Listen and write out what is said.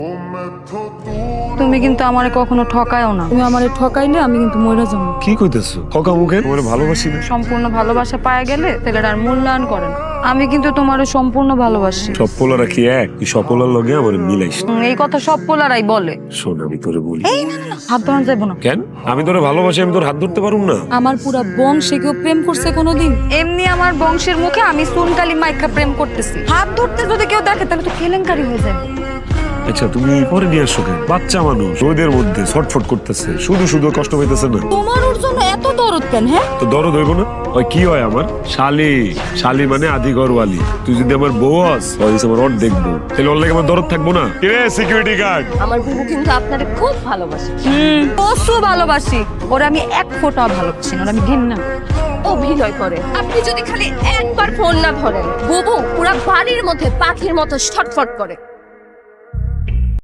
তুমি কিন্তু আমারে কখনো ঠকায়ও না। তুমি আমারে ঠকাইলে আমি কিন্তু মরে যাবো। কি কইতেছো? ঠকা মুখে তোমারে ভালোবাসি না। সম্পূর্ণ ভালোবাসা পায়ে গেলে ছেলেটা আর মূল্যায়ন করে না। আমি কিন্তু তোমারে সম্পূর্ণ ভালোবাসি। সব পোলারা কি এক? তুই সব পোলার লগে আমার মিলাইস না। এই কথা সব পোলারাই বলে। শোন, আমি তোরে বলি। এই না না না, হাত ধরা যাবো না। কেন? আমি তোরে ভালোবাসি, আমি তোর হাত ধরতে পারুম না? আমার পুরা বংশে কেউ প্রেম করছে কোনোদিন? এমনি আমার বংশের মুখে আমি সুনকালি মাইকা প্রেম করতেছি। হাত ধরতে যদি কেউ দেখে তাহলে তো কেলেঙ্কারি হয়ে যাবে। আচ্ছা, তুমি পরে নিয়ে আসো কেন? বাচ্চা মানুষ রোদের মধ্যে ছটফট করতেছে, শুধু শুধু কষ্ট পাইতেছে না? তোমার ওর জন্য এত দরদ কেন? হ্যাঁ, তো দরদ হইব না? ওই কি হয় আমার শালি? শালি মানে আদি ঘরওয়ালি। তুই যদি আমার বউ হস, ওই আমার অট দেখবো, তাহলে ওর লাগে আমার দরদ থাকবো না? কে সিকিউরিটি গার্ড? আমার বুবু কিন্তু আপনারে খুব ভালোবাসে। প্রচুর ভালোবাসি। ওরা আমি এক ফোঁটা ভালোবাসি না, ওরা আমি ঘেন্না। অভিনয় করে। আপনি যদি খালি একবার ফোন না ধরেন, বুবু পুরা বাড়ির মধ্যে পাখির মতো ছটফট করে।